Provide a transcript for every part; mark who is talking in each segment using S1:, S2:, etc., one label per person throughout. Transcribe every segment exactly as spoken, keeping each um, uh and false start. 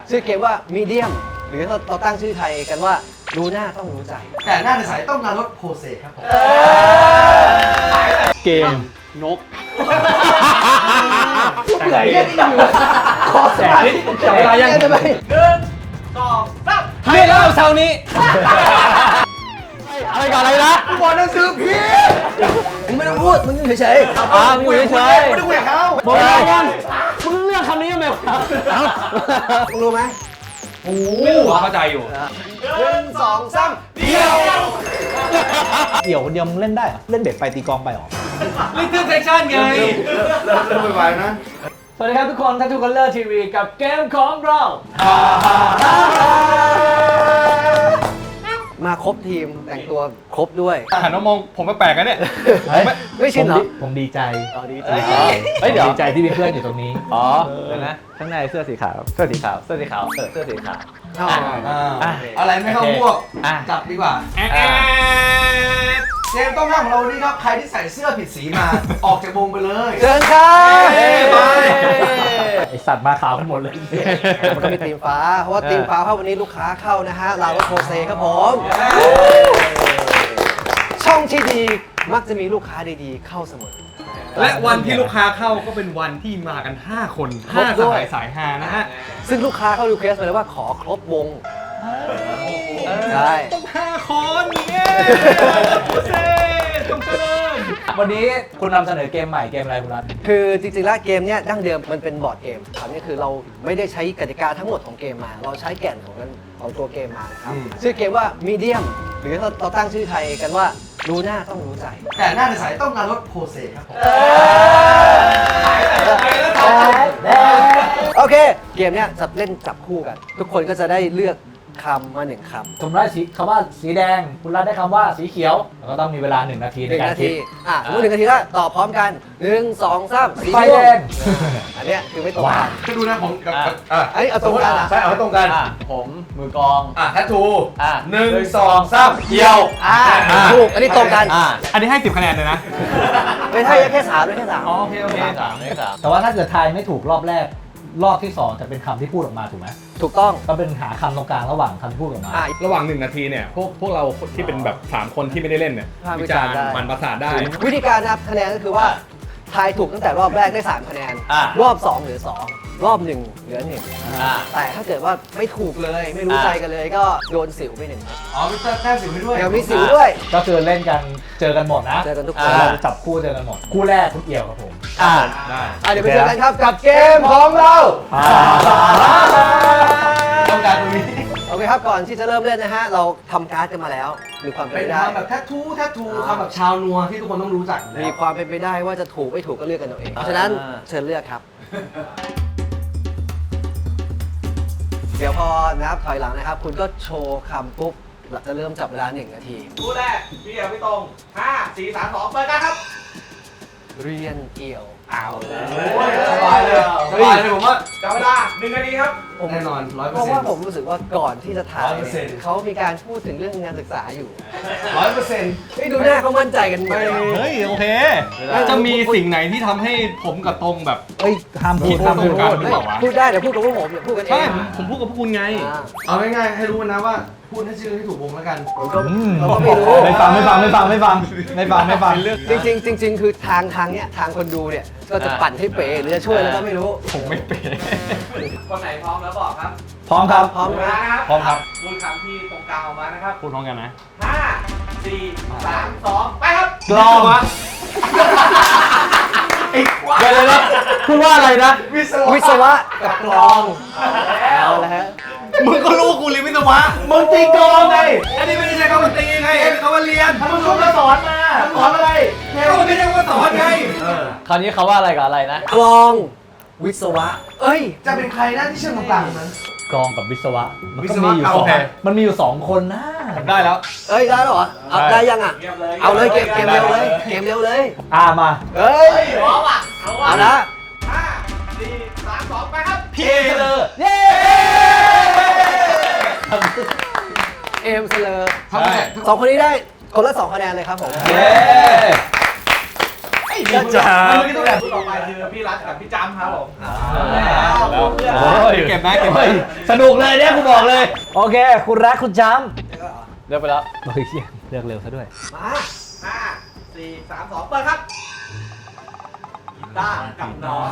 S1: ชื่อเกมว่ามีเดียมหรือเราตั้งชื่อไทยกันว่ารู้หน้าต้องรู้ใจ
S2: แต่หน้าในสายต้องการรถโพเซครับผม
S3: เกมนก
S1: เหนื่อยเนี่ยที่อยู่คอแสบจับเวลายังไงหนึ่งสองสาม
S3: ให้เล่าเช้านี้อะไรก่อนอะไรนะ
S1: บอลหนังสือพี่มึงไม่ต้องพูดมึงอยู่เฉยๆ
S3: อ่ามึงอยู่เฉย
S1: ไม่ต้องคุยกับเขา
S3: บอกเลยว่ามึงเลือกคำนี้ยังไงวะ
S1: มึงรู้ไหม
S3: โอ้เข้าใจอยู่
S1: หนึ่งสองสามเดี่ยว
S4: เดี่ยวคนเดียวมึงเล่นได้เหรอเล่นเบ็ดไปตีกองไปหรอ
S3: ลิทเทิลเซชั่นไง
S2: เริ่มเริ่มไปๆนะ
S3: สวัสดีครับทุกคนทัทูคัลเลอร์ทีวีกับเกมของเรา
S1: มาครบทีมแต่งตัวครบด้วย
S3: หันมามองผมแปลกๆกันเนี่ย
S1: ไม่ชินเหรอ
S4: ผมดีใจ
S1: ดีใจ
S4: เฮ้ยเดี๋ยวดีใจที่มีเพื่อนอยู่ตรงนี้
S3: อ๋อเดี๋ยวนะข้างในเสื้อสีขาวเสื้อสีขาวเสื้อสีขาวเสื้อสีขาว
S2: อะไรไม่เข้าพวกจับดีกว่าเกมต้องห้ามของเรานี่ครับใครที่ใส่เสื้อผิดสีมาออกจากวงไปเลย
S1: เชิญครับ
S4: ไอสัตว์มาขาวกันหมดเลย
S1: มันก็มีทีมฟ้าเพราะว่าทีมฟ้าเข้าวันนี้ลูกค้าเข้านะฮะลาวโพเซครับผมช่องที่ดีมักจะมีลูกค้าดีๆเข้าเสมอ
S3: และวันที่ลูกค้าเข้าก็เป็นวันที่มากันห้าคนห้าสายสายฮานะฮะ
S1: ซึ่งลูกค้าเข้ารีเควสต์มาเลยว่าขอครบวงใช่
S3: ต้องห้าคนเนี่ยต้องเจริญ
S4: วันนี้คุณนำเสนอเกมใหม่เกมอะไรคุณรัฐ
S1: คือจริงๆแล้วเกมเนี้ยดั้งเดิมมันเป็นบอร์ดเกมคราวนี้คือเราไม่ได้ใช้กติกาทั้งหมดของเกมมาเราใช้แก่นของของตัวเกมมานะครับชื่อเกมว่ามีเดียมหรือเราตั้งชื่อไทยกันว่ารู้หน้าต้องรู้ใจ
S2: แต่หน้าในสายต้องการรถโพเซครับผม
S1: โอเคเกมเนี้ยจะเล่นจับคู่กันทุกคนก็จะได้เลือกคำมาหนึ่งคำ
S4: สมมติได้คำว่าสีแดงคุณรัฐได้คำว่าสีเขียวแล้วก็ต้องมีเวลาหนึ่งนาทีในการคิด
S1: อ่ะสมมติหนึ่งนาทีแล้วตอบพร้อมกันหนึ่งสองสาม
S4: สีแดง
S1: อันเนี้ยคือไม่ตรงกัน
S2: ก็ดูนะผมกับ
S1: อันนี้เอาตรงกันอ่ะ
S2: ใช่เอาตรงกัน
S3: ผมมือกอง
S2: อ่ะแททู
S3: อ่ะ
S2: หนึ่งสองสามเดียว
S1: อ่ะถูกอันนี้ตรงกัน
S3: อ่ะอันนี้ให้สิบคะแนนเลยนะ
S1: ไม่ใช่แค่สามไม่แค่สาม
S3: โอเคโอเคสามสาม
S4: แต่ว่าถ้าเกิดทายไม่ถูกรอบแรกรอบที่สองจะเป็นคำที่พูดออกมาถูกไหม
S1: ถูกต้อง
S4: ก็เป็นหาคำตรงกลางระหว่างคำพูดออกมา
S3: ระหว่างหนึ่งนาทีเนี่ยพวกพวกเราที่เป็นแบบสามคนที่ไม่ได้เล่นเนี่ยวิจารณ์มันประสาทได้
S1: วิธีการนับคะแนนก็คือว่าทายถูกตั้งแต่รอบแรกได้สามคะแนนรอบสองเหลือสองรอบหนึ่งเหลือหนึ่งแต่ถ้าเกิดว่าไม่ถูกเลยไม่รู้ใจกันเลยก็โดนสิวไปหนึ่ง
S2: อ๋อมีแต้มสิวไปด้วย
S1: เดี๋ยวมีสิวด้วย
S4: ก็คือเล่นกันเจอกันหมดนะ
S1: เจอกันทุกคน
S4: จับคู่เจอกันหมดคู่แรกคุณเอี่ยวครับผม
S1: อ่าได้เดี๋ยวไปเจอกันครับกับเกมของเรา
S2: ต้องการตรงนี้
S1: โอเคครับก่อนที่จะเริ่มเล่นนะฮะเราทำการ์ดกันมาแล้วมีความเป็นไปได้
S2: แบบแททูแททูทำแบบชาวนัวที่ทุกคนต้องรู้จัก
S1: มีความเป็นไปได้ว่าจะถูกไม่ถูกก็เลือกกันเอาเองเพราะฉะนั้นเชิญเลือกครับเดี๋ยวพอนับถอยหลังนะครับคุณก็โชว์คำปุ๊บเราจะเริ่มจับเวลาหนึ่งนาที
S2: คู่แรกพี่เอี่ยวพี่ตรงห้าสี่สามสองเปิดกันครับ
S1: เรียนเอี่ยว
S2: เอาเลยสบายเลยสบายเลยผมว่าจับเวลาหนึ่งนาทีครับแน่นอนร้อยเปอร์เซ็นต์
S1: เพราะว่าผมรู้สึกว่าก่อนที่จะถ่ายเขามีการพูดถึงเรื่องงานศึกษาอยู่
S2: ร้อยเปอร์เซ็นต์
S1: ไม่ดูหน้าเขามั่นใจกันไหม
S3: เฮ้ยโอเคจะมีสิ่งไหนที่ทำให้ผมกับตรงแบบ
S4: เฮ้ยห้ามพูด
S3: ห้ามพูดกันหรือเปล่าวะ
S1: พูดได้แต่พูดกับพวกผมอย่าพูดกันเอง
S3: ใช่ผมพูดกับพวกคุณไง
S2: เอาง่ายๆให้รู้นะว่าพูดให้ชื่อให้ถูกวงแล้วกัน
S1: ผมก็ไม่รู้
S4: ไม่ฟังไม่ฟังไม่ฟังไม่ฟังไม่ฟังไม่ฟัง
S1: จริงจริงจริงคือทางทางเนี้ยทางคนดูเนี่ยก็จะปั่นให้เป๋หรือจะช่วยแล้วก็ไม่รู้
S3: ผมไม่เป๋
S2: คนไหนพร้อมแล้วบอกครับ
S4: พร้อมครับ
S1: พร้อม
S2: นะครับ
S3: พร้อมครับ
S2: พูดคำที่ตรงกลางออกมานะครับ
S3: พูดพร้อมกันนะ
S2: ห้าสี่สามสองไปครับ
S4: กลองวะเดี๋ยวเลยพูดว่าอะไรนะ
S1: วิศวะกับกลองเอาแล้วฮะ
S2: มึงก็รู้กูเรียนวิศวะมึงตีกลองไงอันนี้ไม่ได้ใช้คำว่าตีไงเป็นคำว่าเรียนมึงรู้มาสอนมาสอนอะไรก็ไม่ได้ว่าสอนไง
S4: คราวนี้เขาว่าอะไรกับอะไรนะ
S1: กลองวิศวะเอ้ย
S2: จะเป็นใครนะที่เชื่อมต่างๆนั้น
S4: กลองกับวิศวะมันก็มีอยู่สองมันมีอยู่สองคนนะ
S3: ได้แล้ว
S1: เอ้ยได้หรอเอาได้ยังอ่ะเอาเลยเกมเกมเร็วเลยเกมเร็วเลย
S4: อ่ามา
S1: เฮ้ยพร้อมอ่ะเอาละ
S2: ห้าสี่สามสองไปครับ
S3: พี่เลย
S1: เย้เอ็มเซเลอร์สองคนนี้ได้คนละสองคะแนนเลยครับผม
S2: เย้ไอ้
S3: พี่จ๋า
S2: เมื่อกี้ตัวแบบต่อไปคือพี่รัฐกับพี่จำครับผม
S3: โอ้ยเก็บนะเก็บไว้
S4: สนุกเลยเนี่ยกูบอกเลย โอเค คุณรักคุณจำเลือกไปแล้วเฮ้ยเหี้ยเลือกเร็วซะด้วย
S2: มาห้าสี่สามสองเปิดครับกีตาร์กับน้อง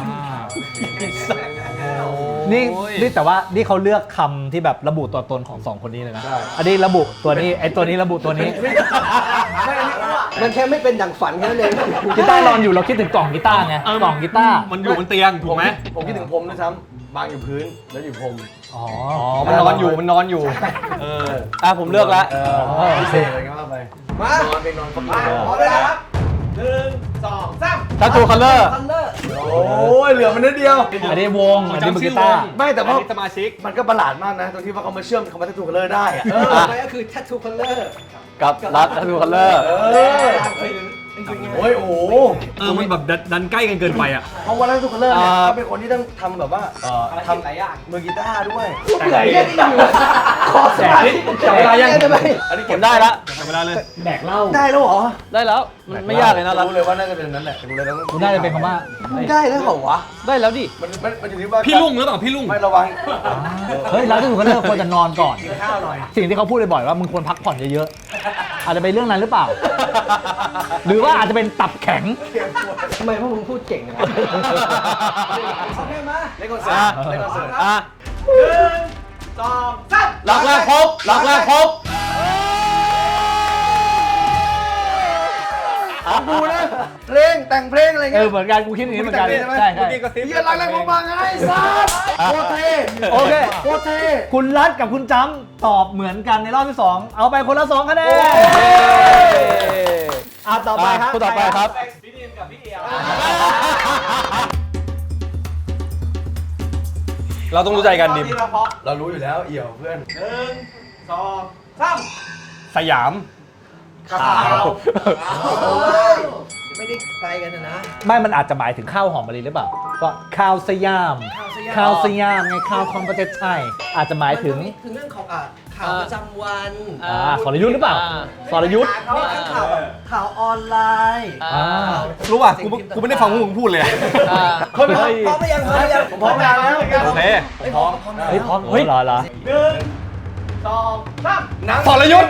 S4: นี่นี่แต่ว่านี่เขาเลือกคำที่แบบระบุตัวตนของสองคนนี้เลยนะ อันนี้ระบุตัวนี้ไอ้ตัวนี้ระบุตัวนี้
S1: มันแค่ไม่เป็นดั่งฝันแค่นั้นเอง
S4: กีตาร์นอนอยู่เราคิดถึงกล่องกีตาร์ไงกล่องกีตาร์
S3: มันอยู่บนเตียงถูกไหม
S2: ผมคิดถึงผมด้วยซ้ำบางอยู่พื้นแล้วอยู่ผม
S4: อ๋อ
S3: อ๋อมันนอนอยู่มันนอนอยู่เอออ่ะผมเลือกแล้ว
S2: เออพิเศษอะไรก็ว่าไป
S1: มา
S2: นอนเป็นนอนมาขอเวลาครับหนึ่งสองสาม
S4: ทัตทูคัลเลอร์
S1: คัลเลอร์
S2: โอ้ยเหลือมันนิดเดียว
S4: อันนี้วงอันนี้มือกีตาร์
S2: ไม่แต่ว่า
S3: อันนี้สมาชิก
S2: มันก็ประหลาดมากนะตรงที่ว่าเขามาเชื่อมคำว่าทัตทูคัลเลอร์ได้อะ
S1: เออไปก็คือ Tattoo Color
S4: กับรัดทัตทูคัลเลอร์
S2: เออโอ้ยโอ้โห
S3: เออมันแบบดันดันใกล้กันเกินไปอ่ะ
S2: เพราะว่าทัตทูคัลเลอร์เนี่ย
S4: อ่า
S2: เขาเป็นคนที่ต้องทำแบบว่าเอ่อทำ
S1: หลายอย่าง
S2: มือกีตาร์ด้วย
S1: เหนื่อยแค่นี้อยู่ขอสมาธิ
S4: จับเวลายัง
S1: ได้ไหม
S2: อันนี้
S4: ผ
S2: เก็บ
S4: มได้ละ
S3: จับเวลาเลย
S4: แดกเหล้า
S2: ได้แล้วเหรอ
S4: ได้แล้วมันไม่ยากเลยนะรัด
S2: รู้เลยว่าน่าจะเป็นนั้นแหละรู้เลยแล้ว
S4: คุณน่าจะเป็นคำว่า
S1: ได้แล้วเหรอวะ
S4: ได้แล้วดิ
S2: มันมันมันอยู่ที่ว่า
S3: พี่ลุงหรือเปล่าพี่ลุง
S2: ไม่ระวัง
S4: เฮ้ยรัดทัตทูคัลเลอร์ควรจะนอนก่อน
S2: กินข้าวหน่อย
S4: สิ่งที่เขาพูดบ่อยๆว่ามึงควรพักผ่อนเยอะๆ อาจจะเป็นเรื่องนั้นหรือเปล่า หรือว่าอาจจะเป็นตับแข็ง
S1: ทำไมพวกมึงพูดเก่งนะโอเคมา
S2: เล่นคอนเสิร์ตเล่นคอนเสิร์ต
S4: อ่ะ
S2: หนึ่งสองสาม
S4: ล็อกแรกครบล็อกแรกครบ
S2: กูนะเพลงแต่งเพลงอะไร
S4: เอ
S2: เงี้
S4: อย เหมือนกันกูคิดอย่างนี้เหมือนกัน
S2: ใช่ไหม
S4: ใช่ใช่
S2: เฮียรักแรงของบางไงสัสโคตรเท่
S4: โอเค
S2: โคตรเท่
S4: คุณรัฐกับคุณจำตอบเหมือนกันในรอบที่สองเอาไปคนละสองคะแนนอ่ะต่อไปครับคุณต่อไปครับ
S2: พี่ดีมกับพี่เอียว
S3: เราต้องรู้ใจกันดิม
S2: เรารู้อยู่แล้วเอี่ยวเพื่อนหนึ่งสองสาม
S3: สยาม
S2: ข่าว
S1: ไม่ได้ไกลกันนะนะ
S4: ไม่มันอาจจะหมายถึงข้าวหอมมะลิหรือเปล่าก็ข้าวสยาม ข้าวสยามไงข้าวของประเทศไทยอาจจะหมายถึง
S1: ถึงเรื่องของอ่ะข่าวประจำวัน
S4: อ่าสรยุทธ์หรือเปล่าสรยุทธ์
S1: นี่ทั้งข่าวแบบข่าวออนไลน์
S4: อ่า
S3: รู้ป่ะกูกูไม่ได้ฟังพวกมึงพูดเลยอะ
S1: พร้อมไหมพร้อมไหมยังพร้อมไหมยัง
S2: ผมพร้อมแล้ว
S3: โอเค
S1: ไม่พร้อมพร้อม
S4: เฮ้ยพร้อมเฮ้ยรอรอ
S2: หนึ่งสองสามหนัง
S3: สรยุทธ์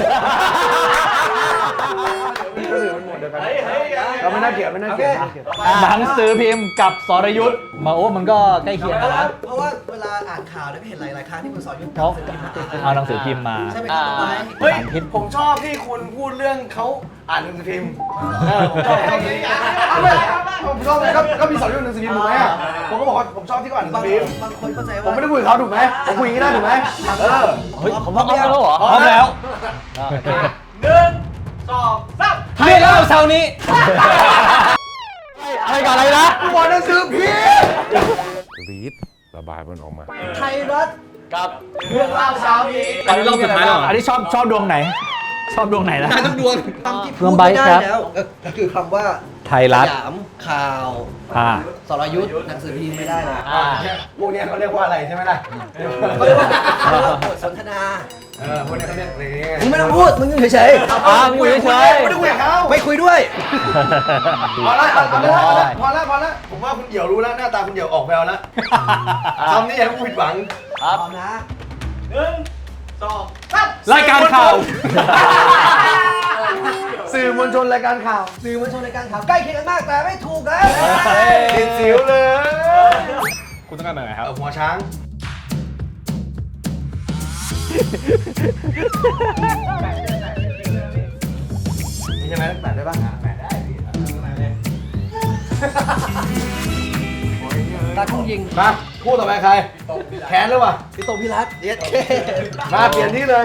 S2: ก็ถือมันหมดเดียวกันเราไม่น่าเกลียดไม่น่าเกลียด
S4: หนังสือพิมพ์กับสรยุทธ์มาโอ้มันก็ใกล้เคียง
S1: เพ
S4: กั
S1: ราะ
S4: น
S1: ว่า
S4: นะ
S1: เพราะว่าเวลาอ่านข่าวเนี่ยก็เห็นหลายๆครั้งที่คุณสอนยุทธ์
S4: เขาเอาหนังสือพิมพ์มา
S1: ใช่ไหมครับไป
S2: เฮ้ยผมชอบที่คุณพูดเรื่องเขาอ่านหนังสือพิมพ์ผมชอบผมชอบก็ก็มีสอนอยู่หนังสือพิมพ์ถูกไหมอ่ะผมก็บอกว่าผมชอบที่เขาอ่านหนัง
S1: บาง
S2: สือพิมพ์
S1: บางคนเข้าใจ
S2: ผม
S1: ว่า
S2: ไม่ได้คุยกับเขาถูกไหมผมคุยอย่างนี้ได้ถูกไหมเออ
S4: เฮ้ยผมพร้อมแล้วเหรอ
S2: พร้อมแล้ว หนึ่งสองสาม
S4: เรียกแล้วเช้านี้อะไรกับอะไรนะ
S2: กูบอกหนังสือพิมพ์
S5: รีดระบายมันออกมา
S1: ไทยรัฐ
S4: กับ
S2: เรื่องเล่าเช้านี้
S3: อันนี้รอบสุดท้ายแล้วเหรอ
S4: อันนี้ชอบชอบดวงไหน ชอบดวงไหนนะ
S3: ได้ทุกดวง
S1: คำที่
S4: เรื่
S1: พู
S4: อ
S1: ด
S4: งใบ
S1: ไม่ได้
S4: ครับ
S1: แล้วก็คือคำว่า
S4: ไทยรัฐ
S1: สยามข่าว
S4: อ่า
S1: สรยุทธ์หนังสือพิมพ์ไม่ได้เลย
S4: อ่า
S2: พวกเนี้ยเขาเรียกว่าอะไรใช่ไหมล่ะ
S1: เขาเรียกว่าเขาเรียกว่าบทสนทนา
S2: เออพวกเนี้ยเขาเรียกอะไรเงี้ย
S1: มึงไม่ต้องพูดมึงอยู่เฉย
S4: อ่ามึงอยู่เฉย
S2: ไม่ได้คุยกับเขา
S1: ๆไม่คุยด้วย
S2: พอละพอละพอละพอละพอละผมว่าคุณเหี่ยวรู้แล้วหน้าตาคุณเหี่ยวออกแววแล้วคำนี้อย่าให้กูผิดหวัง
S1: พร้อมนะ
S2: หนึ่งสองสาม
S3: รายการข่าว
S2: สื่อมวลชนรายการข่าว
S1: สื่อมวลชนในการข่าวใกล้เคียงกันมากแต่ไม่ถูกนะ
S2: ติดสิวเลย
S3: คุณต้องการแบบไหนครับ
S2: เอาหัวช้างนี่ใช่ไหมแปดได้ป่ะแปดได้
S1: ตาทุ่งยิง
S2: มาพูดต่อไปใครแขนหรือเปล่า
S1: พี่โตพี่รัตเย็ดเค
S2: มาเปลี่ยนที่เลย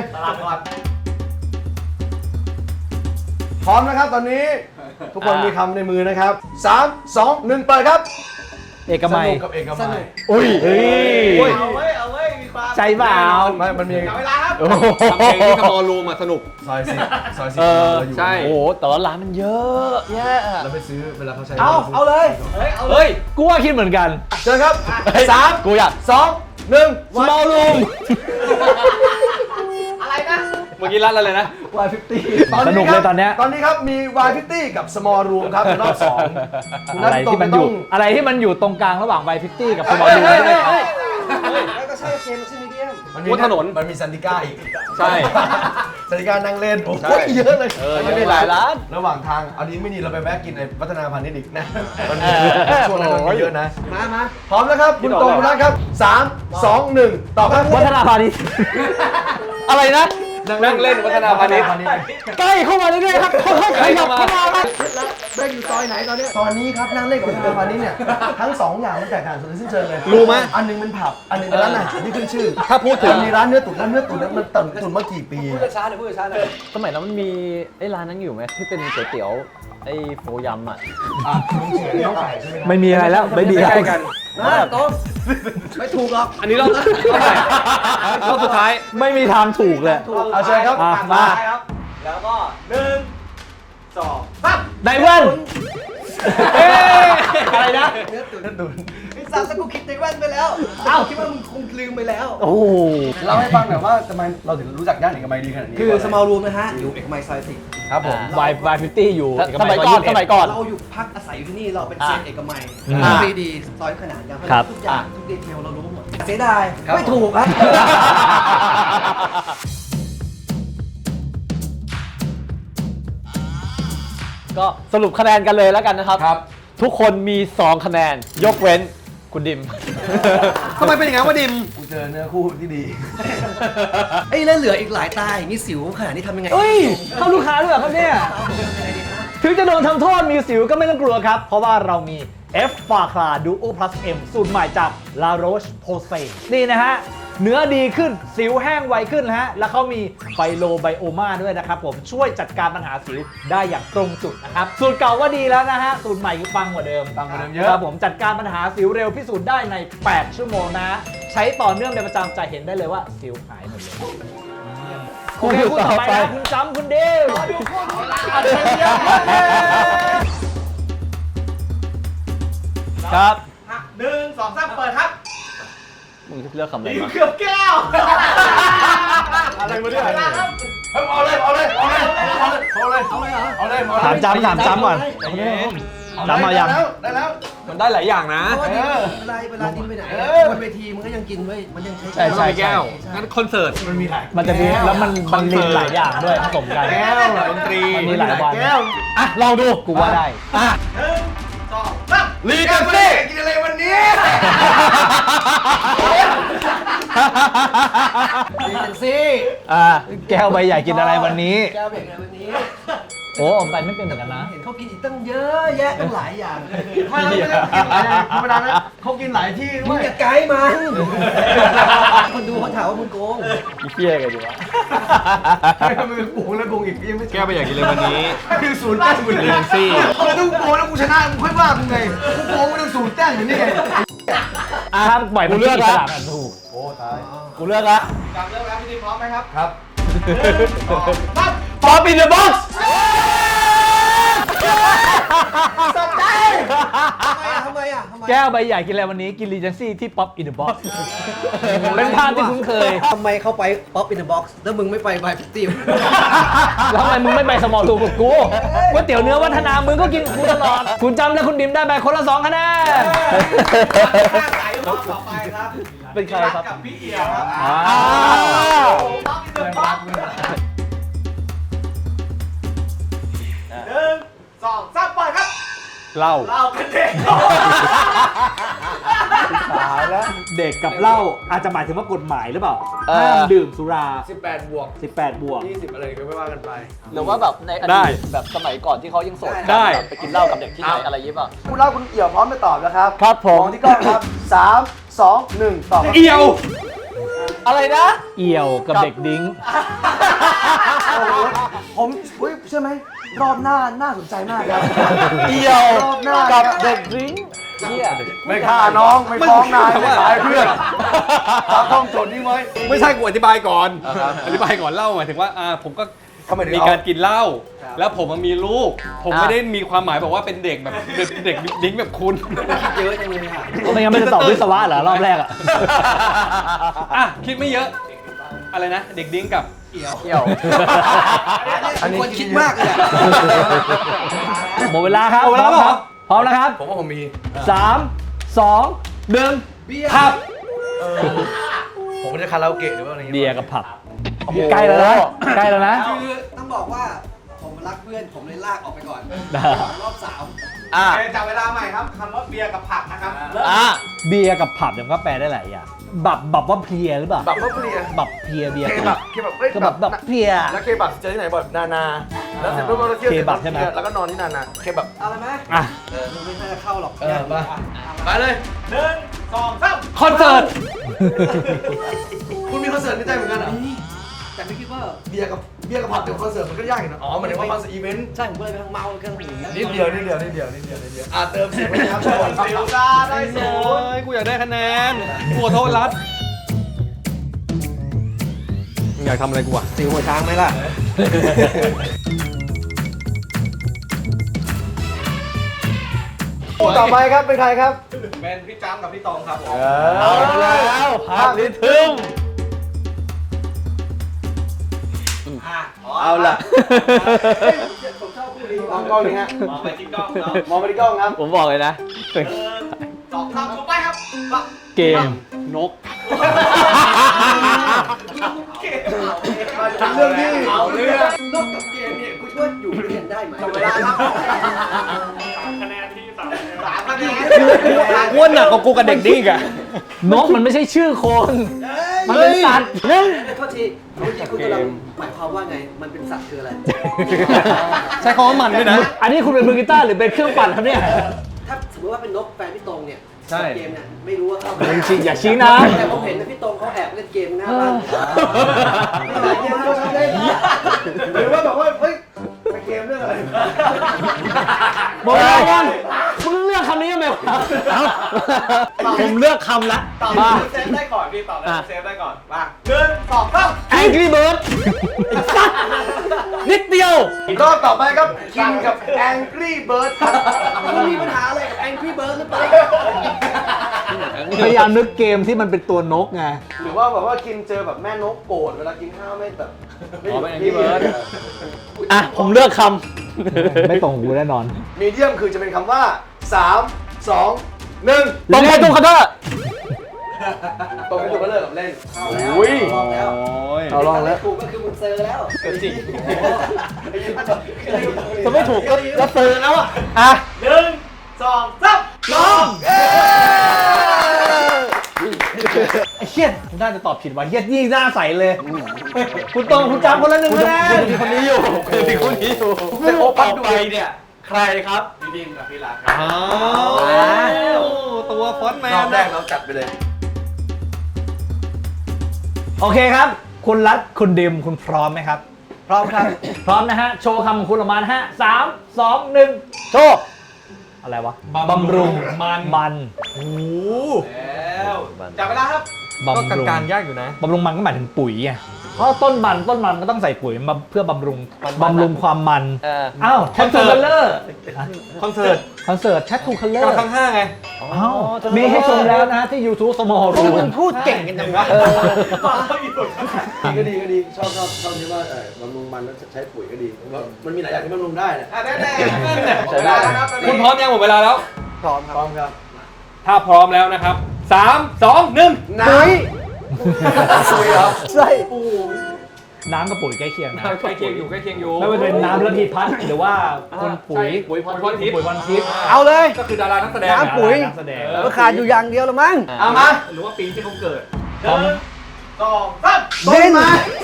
S2: พร้อมนะครับตอนนี้ ทุกคนมีคำในมือนะครับสาม สอง หนึ่งเปิดครับ
S4: เอกมัย
S2: สนุกกับเอกมัย
S4: อุ้ยเฮ้ย
S2: เอาไว้เอาไว้มีความ
S4: ใจเปล่า
S2: ไม่มันมี เวลาครับ
S4: โอ้โห
S3: ทำเพลงที่สมอลรูมอะสนุก
S2: ซอยสิซอยสิ
S4: เออ
S2: เราอยู่
S3: ใช่
S4: โอ้โหแต่ว่าร้านมันเยอะแยะ
S2: เราไปซื้อเวลาเขาใช้
S1: เอาเอาเลย
S4: เฮ้ย กูว่าคิดเหมือนกัน
S2: เชิญครับสาม
S4: กูอยาก
S2: สอง หนึ่ง
S4: small room
S2: อะไรนะ
S3: เมื่อกี้กี้รัดอะไรนะ
S1: วายฟิฟตี้
S4: สนุกเลยตอนเนี้ย
S2: ตอนนี้ครับมีวายฟิฟตี้กับ small room ครับในรอบสองคุณนั
S4: อะ
S2: ท
S4: ไร
S2: ตรง
S4: ที่มัน
S2: ต้
S4: อ
S2: อยู่ ง
S4: อะไรที่มันอยู่ตรงกลางระหว่างไวฟิฟตี้กับสมอล
S3: เฮ้
S4: ลู
S3: ย
S4: น
S3: เฮ้ยเฮ้ย
S1: แล้วก็ใช่เกมมันชื่อมีเดียม
S2: มันมี
S3: บนถนน
S2: มันมีซันติก้าอีก
S3: ใช่
S2: ซันติก้านั่งเล่นโอ้โห
S3: ใช่
S2: เยอะเลย
S3: เออยังมีหลายร้าน
S2: ระหว่างทางเอาดีไม่ดีเราไปแวะกินในพัฒนาพาณิชย์อีกนะมัน
S4: เอ
S2: มี
S4: อ
S2: ช่วงนั้นมันมีเยอะนะ
S1: มามา
S2: พร้อมแล้วครับคุณตรงคุณนัทครับสามสองหนึ่งต่อครับ
S4: วัฒนาพาณิชย์อะไรนะ
S3: นั่งเล่นวัฒนาพาณิชย์
S4: ใกล้เข้ามาเรื่อยๆครับค่อยๆขยับเข้ามาครับ
S1: แม่งอยู่ซอยไหนตอนเนี้ย
S2: ตอนนี้ครับนั่งเล่นกับพัฒนาพาณิชย์เนี่ยทั้งสองอย่างมันแตกต่างกันสิ้นเชิงเลย
S3: รู้ไหม
S2: อันหนึงเป็นผับอันหนึงเป็นร้านอาหารที่ขึ้นชื่อ
S3: ถ้าพูดถึง
S2: มันมีร้านเนื้อตุ๋นร้านเนื้อตุ๋นนั้นมันตุ๋นตุ๋นมากี่ปี
S1: พูดช้าๆหน่อยพูดช้าๆหน่อย
S6: สมัยนั้นมันมีไอ้ร้านนั้นอยู่ไหมที่เป็นก๋วยเตี๋ยวไอ้โฟยำอ่ะ
S2: อ่ะน้องเสือน้องไก่ใช่ไหมครับ
S4: ไม่มีอะไรแล้วไม่มี
S3: ใกล้ๆกัน
S1: มาโต๊ะไม่ถูกหรอก
S3: อันนี้รอบเท่าไหร่รอบสุดท้าย
S4: ไม่มีทางถูกเลย
S2: เอาเชิญครับ
S4: อ่ะมา
S1: แล้วก็หนึ่งสอง
S4: ไดเวิลเอ๊ะอะไรนะ
S1: เนื้อตุ๋นเนื้อตุ๋นไอ้สัตว์ถ้ากูคิดในแว่นไปแล้วเอ้าคิดว่ามึงคงลืมไปแล้ว
S4: โอ้โห
S2: เล่าให้ฟังหน่อยว่าทำไมเราถึงรู้จักย่านเอกมัยดีขนาดนี้
S1: คือ small room นะฮะ อยู่เอกมัยซอยสิบ
S2: ครับผม
S4: วายวายฟิฟตี้อยู่
S6: สมัยก่อนสมัยก่อน
S1: เราอยู่พักอาศัยอยู่ที่นี่เราเป็น
S6: อ่า
S1: เซียนเอกมัย
S4: อ่า
S1: ฟรีดีซอยขนาดกัน
S4: ครับ
S1: ทุกอย่างทุกดีเทลเรารู้หมดเสียดายไม่ถูกครับ
S6: ก็สรุปคะแนนกันเลยแล้วกันนะครับ
S2: ครับ
S6: ทุกคนมี สอง คะแนน ยกเว้นคุณดิม
S3: ทำไมเป็นอย่างนั้นวะดิม
S2: กูเจอเนื้อคู่ที่ดี
S1: ไอ้ยแล้วเหลืออีกหลายตาอย่างนี้สิวขนาดนี้ทำยังไง
S4: เฮ้ย เข้าลูกค้าด้วยเหรอครับเนี่ย ถึงจะโดนทำโทษมีสิวก็ไม่ต้องกลัวครับ เพราะว่าเรามี F ฟาคลาดูโอ plus M สูตรใหม่จาก La Roche Posay นี่นะฮะ เนื้อดีขึ้นสิวแห้งไวขึ้นนะฮะ แล้วเขามีไฟโลไบโอมาด้วยนะครับผมช่วยจัดการปัญหาสิวได้อย่างตรงจุดนะครับ สูตรเก่าว่าดีแล้วนะฮะ สูตรใหม่คือปังกว่าเดิม
S2: ปังกว่าเดิมเยอะ
S4: ครับผมจัดการปัญหาสิวเร็วพิสูจน์ได้ใน แปด ชั่วโมงนะฮะใช้ต่อเนื่องเป็นประจำจะเห็นได้เลยว่าสิวหายหมดเลยโอเคคู่ต่อไปนะคุณจำคุณเดวอัจฉริยะ
S6: ครับ
S1: หนึ่งสองสามเปิดครับ
S6: มึงเลือกคำอะไรมา
S1: เกือบแก้ว
S2: อะไรมาเนี่ยเฮ้ยเอาเลยเอาเลยเอาเลยเอาเลยเอาเลยเอาเลยเอาเลยเอาเลย
S4: ถามจำถามจำก่อนจำมายัง
S2: ได้แล้วได้แล้ว
S3: มันได้หลายอย่างนะ
S1: เพราะว่า
S2: เออ
S1: เวลาเวลาดิ้นไปไหน
S2: เออ
S1: บนเวทีมันก็ยังกินไว้ยมันยังใช้
S4: ใช่ใช่
S3: แก้ว งั้นคอนเสิร์ต
S2: มันมีหลาย
S4: มันจะมีแล้วมันมันลินหลายอย่างด้วยผสมกัน
S2: แก้วเหรอ
S3: ดนตรี
S4: มันมีหลายวัน
S2: แก้ว
S4: อ่ะลองดูกูว่าได้
S2: ลีกาเฟ่กินอะไรวันนี้
S1: ดีเจนซี่
S4: อ่าแก้วใบใหญ่กินอะไรวันนี้
S1: แก้วเบรกอะไรวันนี้
S4: โอ้ผมไปไม่เป็นเหมือนกันนะ
S1: เห็นเขากินอีกตั้งเยอะแยะตั้งหลายอย่าง
S2: ไม่ไม่ได้กินหลายอย่างธรรมดานะเขากินหลายที่
S1: มึ
S2: ด้
S1: ง
S2: วย
S1: อย่าไกด์มัน คนดูเขาถามว่ามึงโกง
S6: อีเพี้ยกันดีวะ
S2: มันเป็นโกงแล้วโกงอีกยังไม่
S3: แก้วไปอยากกินเลยวันนี้
S2: คือศูนย์แต้มอยู่
S3: เรียนซี่
S2: ทำไมต้องโกงแล้วกูชนะกูค่อยว่ามึงไงกูโกงกูต้องศูนย์แต้มอยู่นี่ไง
S4: อ่ะครับปล่อยมันกินอิสระกันถูก
S2: โอ้ตาย
S4: กูเลือกละ
S1: กับเริ่มแล้วพี่ดิพร้อมไหมครับ
S2: ครับ
S4: ป๊อปอินเดอะบ็อกซ์
S1: สนใจทำไมอ่ะทำไมอ่ะทำไม
S4: แก้วใบใหญ่กินอะไรวันนี้กินรีเจนซี่ที่ป๊อปอินเดอะบ็อกซ์เป็นภาพที่คุ้นเคย
S1: ทำไมเข้าไปป๊อปอินเดอะบ็อกซ์แล้วมึงไม่ไปบายฟิฟตี้
S4: แล้วทำไมมึงไม่ไปสมอลทูกับกูก๋วยเตี๋ยวเนื้อวัฒนามึงก็กินกับกูตลอด คุณจำและคุณดิมได้ไปคนละสองคะแนน
S1: สายรอบต่อไปครับ
S6: เป็นใครครับ
S1: กับพี่เอียครับ
S4: อ้าว
S1: ป๊อปอินเดอะบ็อกซ์หนึ่งสองสามเปิดครับ
S3: เหล้า
S1: เราเป็นเด็ก
S4: ตายแล้วเด็กกับเหล้าอาจจะหมายถึงว่ากฎหมายหรือเปล่า
S6: เออ
S4: ห้ามดื่มสุรา
S2: สิบแปดบวก
S4: สิบแปดบวก
S2: ยี่สิบอะไรก็ไม่ว่ากันไป
S6: หรือว่าแบบในอ
S3: ได้
S6: ดีตแบบสมัยก่อนที่เขายังโสดกัน
S3: ได้
S6: แบบไปกินเหล้ากับเด็กที่ไหนอะไรอยิบอ่ะ
S2: คุณเล่าคุณเอี่ยวพร้อมจะตอบแล้วครับ
S4: ครับผม
S2: มองที่กล้องครับสามสองหนึ่งตอบครับ
S3: เอียว
S6: อะไรนะ
S4: เอี่ยวกับเด็กดิ้ง
S2: โอ้โหผมเฮ้ยเชื่อไหมรอบหน้าน่าสนใจมากครับ
S6: เอี่ยว
S2: รอบหน้า
S6: กับเด็กดริ้งเฮีย
S2: ไม่ฆ่าน้องไม่ฟ้องนายไม่ขายเพื่อนตามต้องโจทย์นี้ไว้
S3: ไม่ใช่กูอธิบายก่อน อธิบายก่อนเหล้าหมายถึงว่าอ่าผมก็
S2: ทำไมถึง
S3: มี
S2: เอา
S3: การกินเหล้า แล้วผมมันมีลูก ผมไม่ได้มีความหมายบอกว่าเป็นเด็กแบบเด็กเด็กดิ้งแบบคุณ
S1: คิดเยอะจังเลยอ่ะ
S4: ไม่งั้นไม่จะตอบวิศวะเหรอรอบแรกอ่ะ
S3: อ่ะ คิดไม่เยอะอะไรนะ เด็กดิ้งกับเอี่ยว
S6: เกี่ยว
S1: อันนี้คนคิดมากเลยอะ
S4: หมดเวลาครับ
S3: หมดเวลาแล้วเหรอ
S4: พร้อมนะครับ
S2: ผมว่าผมมี
S4: สามสองหนึ่ง
S3: ครับ
S2: ผมไม่ได้คาราโอเกะหรือว่าอะไร
S4: เบียร์กับผับใกล้แล้วนะใกล้แล้วนะ
S1: คือต้องบอกว่าผมรักเพื่อนผมเลยลากออกไปก่อนรอบสาม
S4: อ่ะ
S2: จับเวลาใหม่ครับคำว่าเบียร์กับผักนะครับ
S4: อ่ะเบียร์กับผับเดี๋ยวมันก็แปลได้หลายอย่างบับบับว่าเพลียหรือเปล่า
S2: แบบว่าเพลีย
S4: บับเพลียเบียร์
S2: เคบับเคบับเอ้ย
S4: ก็แบบแบบเพลีย
S2: แล้วเคบับเจอที่ไหนบ่อยนานา แล้วเสร็จปุ๊บเราเที่ยว
S4: เคบับใช่ไหม
S2: แล้วก็นอนที่นานาเคบับ
S1: เอาเลยไหม
S4: อ่ะ
S1: เออมันไม่น่าจะเข้าหรอก
S2: เออมาไปเลยหนึ่งสองสาม
S4: คอนเสิร์ต
S2: คุณมีคอนเสิร์ตในใจเหมือนกันเหรอ
S1: แต่ไม่คิดว่า
S2: เบียร์กับเบียร์กับผับเดี๋ยวคอนเสิร์ตมันก็ยากอยู่นะอ๋อหมายถึงว่าคอนเสิร์ตอีเวนต์
S1: ใช่ผมก็เลยไปทางเมากันหนี
S2: นิดเดียวนิดเดียวนิดเดียวนิดเดียวนิดเดียวอ่ะเติมเสียงไปนะครับชนซิลซาได้ศู
S3: โอ้
S2: นย์
S3: ยกูอยากได้คะแนนกูขอโทษรัฐมึงอยากทำอะไรกูอ่ะ
S1: สิวหัวช้างไหมล่ะ
S2: คู่ต่อไปครับเป็นใครครับ
S3: เป็นพี่จ้ำกับพี่ตองครับผม
S4: เอาแล้วภาพลิทึม
S2: เอาล่ะ
S1: ผมชอบคู่นี้
S2: มองกล้องนี่ฮะ
S3: มองไปที่กล้องเนาะ
S2: มองไปที่กล้องครับ
S6: ผมบอกเลยนะ
S3: สองคำถูกไปครับ
S4: เกมนก
S2: เรื่องที่
S3: เอาเรื่อง
S1: นอกจากเกมเนี่ยกูช่วยอยู่เรียนได้ไหม
S2: เวลาครับ
S3: คะแนนที่สาม
S2: สามคะแนน
S3: อ้วนหนักกว่ากูกับเด็กดิ้งอ่ะ
S4: นกมันไม่ใช่ชื่อคน มันเป็นสัตว์นะ
S1: โทษทีเมื่อกี้คุณกำลังหมายความว่าไง มันเป็นสัตว์คืออะไร
S3: ใช้คำว่ามันด้วยนะ
S4: อันนี้คุณเป็นมือกีตาร์หรือเป็นเครื่องปั่นครับเนี่ย
S1: ถ้าสมมติว่าเป็นนกแฟนพี่ตรงเนี่ย
S3: ใช่
S1: เกมเนี่ยไม่รู้ว่าเข้า
S4: อย่าชี้อย่าชี้นะ
S1: แต่ผมเห็นนะพี่ตรงเขาแอบเล่นเกมหน้าบ้าน
S2: หรือว่าแบบว่าเฮ้ยไปเกมเรื่องอะไร
S4: หมดเวลายังมึงเลือกคำนี้ยังไงวะผมเลือกคำละมา
S3: เซฟได้ก่อนพี่ตอบได้เซฟได้ก่อนมาหนึ่งสองสาม
S4: Angry Bird นิดเดียว
S2: รอบต่อไปครับคิงกับ Angry Bird ครับ
S1: มันมีปัญหาอะไรกับ Angry Bird หรือเปล่า
S4: พยายามนึกเกมที่มันเป็นตัวนกไง
S2: หรือว่าแบบว่าคิมเจอแบบแม่นกโกรธเวลากินข้าวไม่แบบไม่
S6: อ๋อเป็น Angry Bird
S4: อ่ะ ผมเลือกคำ ไม่ตรงกูแน่นอน
S2: มีเดียมคือจะเป็นคำว่าสาม สอง หนึ่ง
S4: ตรงไปตรงกันเถอะ
S2: ตรงไปถูกก็เลิกกับเล่น
S1: เอาแล้ว
S2: อุ้ย
S1: ลองแล้ว
S2: เอาลองแล้ว
S1: ถูกก็คือมึงเซอร์แล้ว
S3: จริง
S4: จะไม่ถูกก็ก็เตือนแล้วอ่ะ
S2: อ่ะ
S3: หนึ่งสองสาม
S2: ลองเอ้ย
S4: ไอ้เฮียคุณน่าจะตอบผิดว่ะเฮียยิ่งหน้าใสเลย คุณตรงคุณจำคนละหนึ่งคะแนน
S3: คุณมีคนนี้อยู่คุณมีคนนี้อยู่
S2: แต่โอปักดู
S3: ไปเนี่ย ใครครับ
S2: พี่ดิมกับพี่รัก
S3: อ้าวตัวฟอนต์แม
S2: รอน บแรกเราจัดไปเลย
S4: โอเคครับ คุณรัฐคุณดิมคุณพร้อมไหมครับ
S1: พร้อมครับ
S4: พร้อมนะฮะ โชว์คำของคุณออกมานะฮะสามสองหนึ่งโชว์ อะไรวะ
S3: บำรุงมัน
S4: มัน
S3: โอ้แล้วจับเวลาครับ
S4: บำรุ
S3: ก็
S4: ง
S3: การยากอยู่นะ
S4: บำรุงมันก็หมายถึงปุ๋ยไง เพราะต้นมันต้นมันก็ต้องใส่ปุ๋ยมาเพื่อบำรุงบำรุงความมัน
S6: เออ
S4: อ้าวแททูคัลเลอร์
S3: คอนเสิร์ต
S4: คอนเสิร์ตแททูคัลเลอร์
S3: กำลังห้าไง
S4: อ้าวมีให้ชมแล้วนะที่ YouTube Small
S1: พวก
S4: Room
S1: มึงพูดเก่งกันจังวะ
S2: ดีก็ดีก็ดีชอบชอบชอบที่ว่าเออบำรุงมันแล้วใช้ปุ๋ยก็ดีมันมีหลายอย่างที่บำรุงได้นะ
S3: อ่ะแน่ๆนั่นเนี่ย
S2: ใช้ได้นะครับ
S3: คุณพร้อมยังหมดเวลาแล้ว
S1: พร้อมค
S2: พร้
S1: รั
S2: อบ มครับ
S3: ถ้าพร้อมแล้วนะครับสามสองหนึ่ง
S2: น้ำซุยเหรอ
S1: ใช่
S4: น้ำกับปุ๋ยใกล้เคียงนะ
S3: ใกล้เคียงอยู่ใกล้เคียงอยู่
S4: ไม่ว่าจะเป็นน้ำระพีพัฒน์หรือว่าคนปุ๋ย
S3: ปุ๋ยพรพรทิพย์
S4: ปุ๋ยวันทิพย์
S1: เอาเลย
S3: ก็คือดารานักแสดง
S1: น้ำปุ๋ย
S4: นักแสดง
S1: ก็ขาดอยู่อย่างเดียวแล้วมั้ง
S2: เอามา
S3: หรือว่าปีที่เขาเกิด
S4: พร้อม
S3: สองสาม
S2: ต้นไม้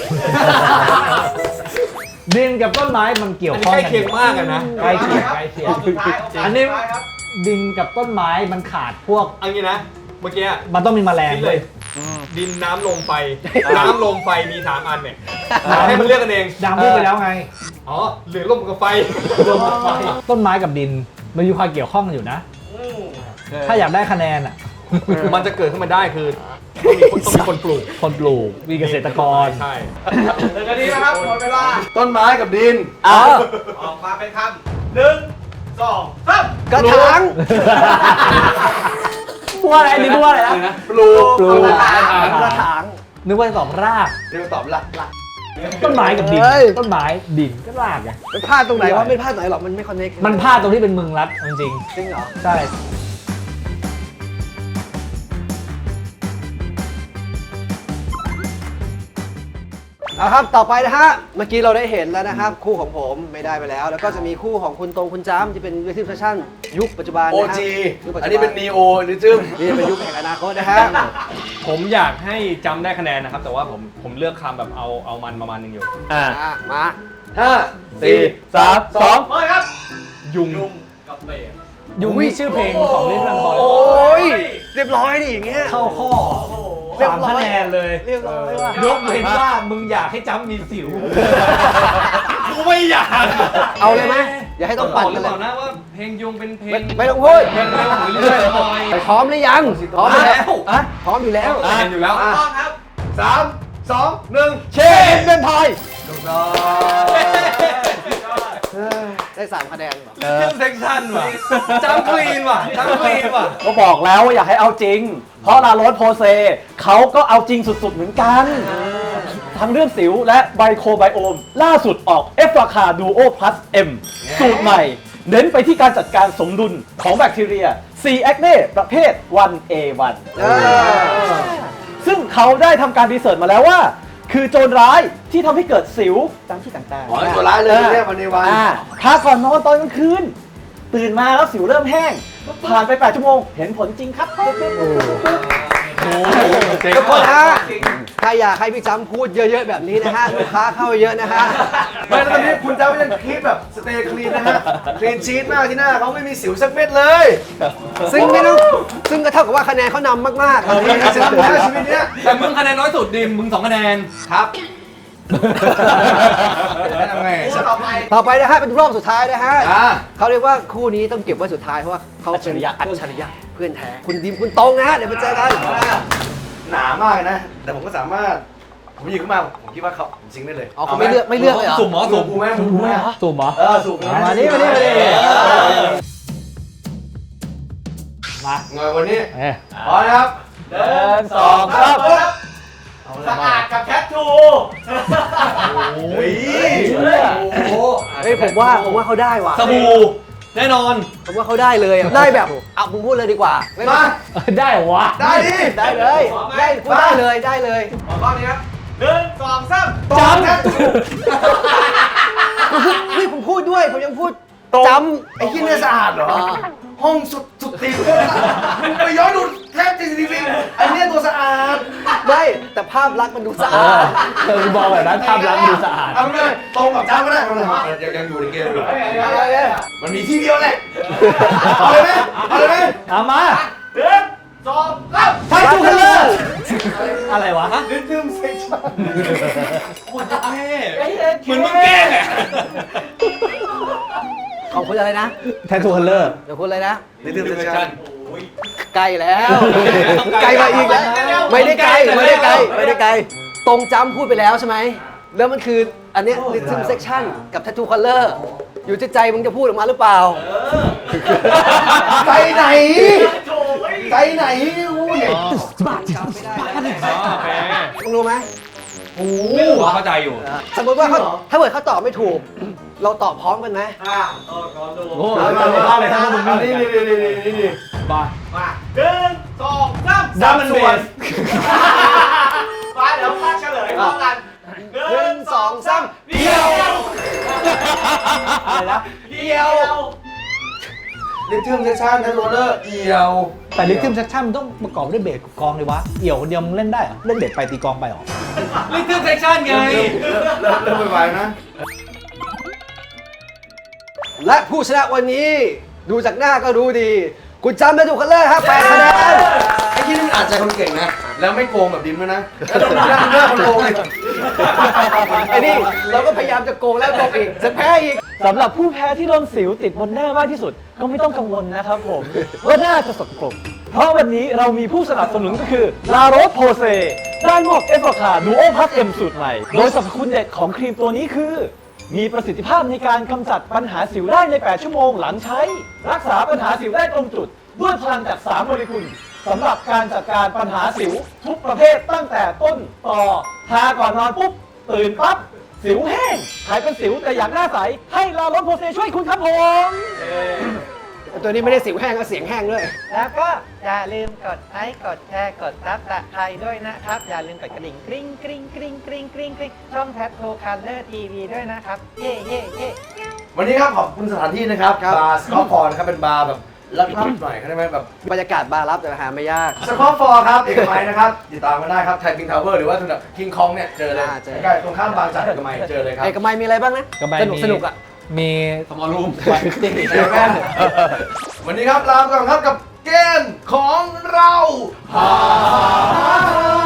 S4: ดินกับต้นไม้มันเกี่ยว
S3: อันนี้
S4: ข้อง
S3: ใกล้
S4: กัน
S3: เคียงมากอะนะ
S4: ใกล้เคียงใกล้เคียง
S3: รอบสุดท้ายโเค
S4: อันนี้
S3: สุดท้ายครับ
S4: ดินกับต้นไม้มันขาดพวก
S3: เอันนี้นะ เมื่อกี้
S4: มันต้องมีแมลง
S3: คิด
S4: เล
S3: เลย ย ดินน้ำลมไฟ น้ำลมไฟมีสามอันเนี่ยให้มันเลือกกันเอง
S4: ดังพูดไปแล้วไง
S3: อ๋อหรือลมกับไฟ
S4: ต้นไม้กับดินมันมีความเกี่ยวข้องกันอยู่นะ ถ้าอยากได้คะแนนอ่ะ
S3: มันจะเกิดขึ้นมาได้คือต้องมีคนต้องมีคนปลูก
S4: คนปลูกมีเกษตรกร
S3: ใช่หนึ่งนาทีนะครับหมดเวลา
S2: ต้นไม้กับดิน
S4: อ้าว
S3: ออกมาเป็นคำหนึ่งสองสาม
S1: กระถาง
S4: พูดอะไรดิพูดอะไรนะ
S3: ปลูก
S4: ปลูก
S3: กระถาง
S1: กระถาง
S4: มนึกว่าจะตอบราก
S2: เดี๋ยวตอบละละ
S4: ต้นไม้กับดิน
S1: เฮ้ย
S4: ต้นไม้ดินก็รากไง
S1: มันพลาดตรงไหนวะไม่พลาดไหนหรอกมันไม่คอนเนค
S4: มันพลาดตรงที่เป็นมึงรัดจริง
S1: จริงเหรอ
S4: ๆใช่
S1: เอาครับต่อไปนะฮะเมื่อกี้เราได้เห็นแล้วนะครับ คู่ของผมไม่ได้ไปแล้ว แล้วก็จะมีคู่ของคุณตรงคุณจ้ำที่เป็นวิทีฟชั่นยุคปัจจุบัน
S2: โอ
S1: นะฮะ
S2: จี
S1: ยุคปัจจุบั
S2: อันนี้เป็นนีโอหรือจึ้ม
S1: นี่เป็นยุคแห่งอนาคตนะฮะ
S3: ผมอยากให้จำได้คะแนนนะครับ แต่ว่าผมผมเลือกคำแบบเอาเอามันประมาณหนึงอยู่
S4: อ่า
S1: อ่ะมา
S2: ห้า
S4: สี่สามสอง
S2: ไปครับ
S3: ยุง
S4: ยุงนี่ชื่อเพลงของลิทเทิลทอย
S1: โอ้ยเรียบร้อยดิอย่างเงี้ย
S4: เข้าข้อ
S1: เรียบ
S4: สาม
S1: ร้อย
S4: คะแนนเลย
S1: เรียบร้อยว่ะ
S4: ยกเว้นว่ามึงอยากให้จ้ำมีสิว
S3: กูไม่อยาก
S1: เอาเลยไหมอย่าให้ต้องปั่น
S3: หรื
S1: กั
S3: อน เป
S1: เลย
S3: ล่านะว่าเพลงยุงเป็นเพล
S1: ไม่
S3: ง
S1: ไม่ต้องพูด
S3: เพลงเร็วหรือเรื่อยๆหน่อย
S1: ไปพร้อมหรือยังพร้อมอยู่แล้ว
S3: แล้ว
S1: อ่ะพร้อมอยู่แล้ว
S3: เห็นอยู่แล้ว
S2: อ่ะสามสองหนึ่ง
S1: เชนเป็นพายได้สามคะแนนเหรอ
S3: เรื่องเซ็กชันว่ะจำคลีนว่ะจำคลีนว่ะ
S4: ก็บอกแล้วว่าอยากให้เอาจริง เพราะลาโรสโพเซเขาก็เอาจริงสุดๆเหมือนกัน ทั้งเรื่องสิวและไบโคไบโอม ล่าสุดออกเอฟราคาดูโอ plus M สูตรใหม่ เน้นไปที่การจัดการสมดุลของแบคทีเรีย C. acne ประเภท วัน เอ วัน
S1: เออ
S4: ซึ่งเขาได้ทำการรีเสิร์ชมาแล้วว่า คือโจรร้ายที่ทำให้เกิดสิวตามที่ต่าง
S2: อ๋อตัวร้ายเลยเรียกวันในวัน
S4: อ่าทาก่อนนอนตอนกลางคืน ตื่นมาแล้วสิวเริ่มแห้ง ผ่านไปแปดชั่วโมง เห็นผลจริงครับ
S1: ทุกคนฮะถ้าอยากให้พี่จ้ำพูดเยอะๆแบบนี้นะฮะลูกค้าเข้าเยอะนะฮะ
S2: ไม่แล้วตอนนี้คุณเจ้ายังคีปแบบสเตย์คลีนนะฮะคลีนชีทมากที่หน้าเขาไม่มีสิวสักเม็ดเลย
S1: ซึ่งไม่ต้องซึ่งก็เท่ากับว่าคะแนนเขานำมากๆ
S2: เออมีสิวนะชีวิตเนี้ย
S3: แต่มึงคะแนนน้อยสุดดิมมึงสองคะแนน
S2: ครับทำไงต่อไป
S1: ต่อไปนะฮะเป็นรอบสุดท้ายนะฮะ
S2: อ่า
S1: เขาเรียกว่าคู่นี้ต้องเก็บไว้สุดท้ายเพราะว่าเขาเป็นอัจฉริยะเพื่อนแท้คุณดิมคุณตรงนะฮะเดี๋ยวมาเจอกัน
S2: หนามากนะ แต่ผมก็สามารถผมหยิบขึ้นมาผมคิดว่าเขาผมซิงค์ได้เลย
S1: อ๋อเขาไม่เลือกไม่เลือกเลยเหรอ
S3: สุ่มหมอ
S2: สู
S3: สุ่
S2: บ
S3: ม
S2: กูไหมสูบกูไหม
S4: สูมเหรอ
S2: เออสูบนะ
S4: มานี่มานี่มานี่ มา
S2: เงยวันนี้
S4: เอ้ย
S2: พร้อมนะครับ
S4: หนึ่งสองสาม
S2: สะอาดกับแคททูเฮ้ยโอ้โห
S1: เฮ้ยผมว่าผมว่าเขาได้ว่ะ
S3: สบู่แน่นอน
S1: ผมว่าเขาได้เลยอะได้แบบเอาผมพูดเลยดีกว่าไม่
S2: มา
S4: เอ้ยได้เหรอวะ
S2: ได้ดิ
S1: ได้เลยได้พูดได้เลยได้เลย
S2: ขอรอบนี้ครับหนึ่งสองสาม
S4: จำ
S2: แคททู
S1: เฮ้ยผมพูดด้วยผมยังพูดจำ
S2: ไอ้ที่เนี่ยสะอาดเหรอ ห้องสุดสุดตีนมันไปย้อนดูแทบจะทีวีไอ้เนี่ยตัวสะอาด
S1: ไม่แต่ภาพลักษณ์มันดูสะ
S4: เอ
S1: อา
S4: อ
S1: ด
S4: เธอบอกแบบนั้นภาพลักษณ์ดูสะอาด
S2: เอาไม่ได้ตรงกับจ้าก็ได้เอาเลยยังยังอยู่ในเกมอยู่
S1: อะไรเนี่ย
S2: มันมีที่เดียวแหละเอาเลยไหมเอาเลยไหม
S4: เอามา
S2: หนึ่งสองสาม
S4: ไทยทูคัลเลอร์อะไรวะ
S2: ลิทึมเซ็กชั่น
S3: โคตรเท่เหมือนมึงแกล้งอ่ะ
S1: ของคุณอะไรนะ
S4: ไทยทูคัลเลอร์
S1: เดี๋ยวคุณอะไรนะ
S2: ลิทึมเซ็กชั่น
S1: ไกลแล้วไกลมาอีกแล้วไม่ได้ไกลไม่ได้ไกลไม่ได้ไกลตรงจำพูดไปแล้วใช่ไหมแล้วมันคืออันเนี้ย rhythm section กับ tattoo color อยู่ที่ใจมึงจะพูดออกมาหรือเปล่า
S2: ใจไหนใจไหนอู้ย
S1: จำไม่ได้แล้ว
S3: โอเค
S1: มึงรู้ไหม
S2: โอ้
S3: เข้าใจอยู่
S1: สมมติว่าเขาถ้าเกิดเขาตอบไม่ถูก เราตอบพร้อมกันไหม
S4: โอ้โหมาเลยทั้งมึง
S2: นี่นี่นี่นี่นี่นี่
S4: มา
S2: หนึ่งสองสาม
S4: ดัมเบิลเบส
S2: มาเดี๋ยวพาเฉลยพร้อมกัน
S1: หนึ่งสองสาม
S2: เดียว
S4: อะไรนะ
S2: เดียวลิทึมเซ็กชั่นทันโรลเลอร์เอียว
S4: แต่ลิทึมเซคชั่นมันต้องประกอบด้วยเบสกับกลองเลยวะ เอี่ยวคนเดียวมึงเล่นได้เหรอ เล่นเบสไปตีกลองไปเหรอ
S3: ลิทึมเซ็กชันไง
S2: เริ่มเริ่มไวๆนะ
S1: และผู้ชนะวันนี้ดูจากหน้าก็รู้ดี คุณจำได้ถูกกันเลยครับแปดคะแนน
S2: ไอ้ที่นี่มันอ่านใจคนเก่งนะ แล้วไม่โกงแบบดิมด้วยนะแล้วต้องนั่งเลือกคนโกงเลย
S1: ไอ้นี่เราก็พยายามจะโกงแล้วโกงอีกจะแพ้อีก
S4: สำหรับผู้แพ้ที่โดนสิวติดบนหน้ามากที่สุด ก็ไม่ต้องกังวลนะครับผม ว่าหน้าจะสกปรกเพราะวันนี้เรามีผู้สนับสนุนก็คือลาโรสโพเซด้านหมวกเอฟคาดูโอพัสเอ็มสูตรใหม่ โดยสรรพคุณเด็ดของครีมตัวนี้คือ มีประสิทธิภาพในการกำจัดปัญหาสิวได้ใน แปด ชั่วโมงหลังใช้ รักษาปัญหาสิวได้ตรงจุด ด้วยพลังจาก สาม โมเลกุลสำหรับการจัดการปัญหาสิวทุกประเภทตั้งแต่ต้นต่อทาก่อนนอนปุ๊บตื่นปั๊บสิวแห้งใครเป็นสิวแต่อยากหน้าใสให้ลาโรสโพเซช่วยคุณครับผม
S1: ตัวนี้ไม่ได้สิวแห้งก็เสียงแห้งด้วย
S7: แล้วก็อย่าลืมกดไลค์กดแชร์กดซับสไครต์ด้วยนะครับ อย่าลืมกดกระดิ่งกริ๊งกริ๊งกริ๊งกริ๊งกริ๊งกริ๊งช่องแททโทคัลเลอร์ทีวีด้วยนะครับ เย่เย่เย่
S2: วันนี้ครับขอบคุณสถานที่นะครับ
S1: ครับ
S2: บาร์สกอตฟอร์นะครับเป็นบาร์แบบลับๆหน่อยเขาได้ไหมแบบ
S1: บรรยากาศบาร์ลับแต่หาไม่ยาก
S2: สกอตฟอร์ครับเอกมัยนะครับติดตามกันได้ครับไทยพิงทาวเวอร์หรือว่าถนนคิงคองเนี่ยเจอเลย
S1: อ่าเจอ
S2: ใกล้ๆตรงข้ามบางจากเอกมัยเจอเลยครับ
S1: เอกมัยมีอะไรบ้างนะ
S4: เอกมัย
S1: สนุก
S4: มี
S1: สนุกอ่ะ
S4: มี
S3: สมอลรูม
S2: เจอกันวันนี้ครับลาไปก่อนครับกับเกมของเราฮ่า